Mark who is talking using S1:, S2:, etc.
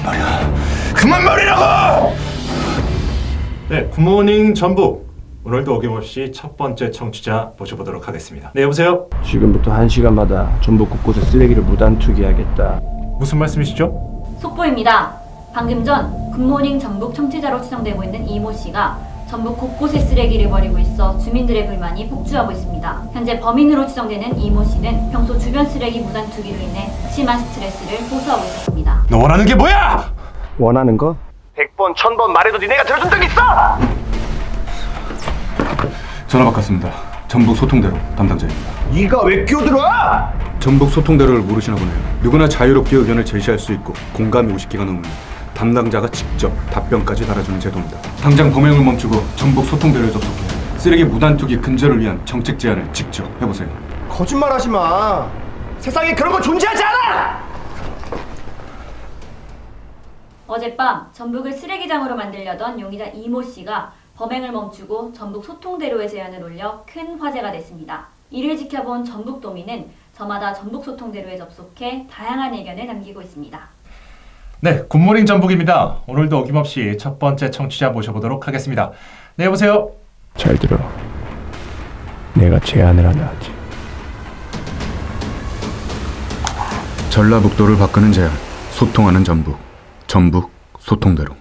S1: 그만 말이라고!
S2: 네, 굿모닝 전북. 오늘도 어김없이 첫 번째 청취자 모셔보도록 하겠습니다. 네, 여보세요?
S3: 지금부터 1시간마다 전북 곳곳에 쓰레기를 무단 투기하겠다.
S2: 무슨 말씀이시죠?
S4: 속보입니다. 방금 전 굿모닝 전북 청취자로 추정되고 있는 이모 씨가 전북 곳곳에 쓰레기를 버리고 있어 주민들의 불만이 폭주하고 있습니다. 현재 범인으로 추정되는 이모 씨는 평소 주변 쓰레기 무단 투기로 인해 심한 스트레스를 호소하고 있었습니다.
S1: 너 원하는 게 뭐야?
S3: 원하는 거?
S1: 100번, 1000번 말해도 니네가 들어준 적 있어?
S5: 전화 바꿨습니다. 전북 소통대로 담당자입니다.
S1: 네가 왜 끼어들어?
S5: 전북 소통대로를 모르시나 보네요. 누구나 자유롭게 의견을 제시할 수 있고 공감이 50개가 넘으면 담당자가 직접 답변까지 달아주는 제도입니다. 당장 범행을 멈추고 전북 소통대로에 접속해 쓰레기 무단 투기 근절을 위한 정책 제안을 직접 해보세요.
S1: 거짓말 하지 마. 세상에 그런 거 존재하지 않아!
S4: 어젯밤 전북을 쓰레기장으로 만들려던 용의자 이모 씨가 범행을 멈추고 전북 소통대로의 제안을 올려 큰 화제가 됐습니다. 이를 지켜본 전북도민은 저마다 전북 소통대로에 접속해 다양한 의견을 남기고 있습니다.
S2: 네, 굿모닝 전북입니다. 오늘도 어김없이 첫 번째 청취자 모셔보도록 하겠습니다. 네, 여보세요?
S3: 잘 들어. 내가 제안을 하나 하지.
S5: 전라북도를 바꾸는 제안, 소통하는 전북, 전북 소통대로.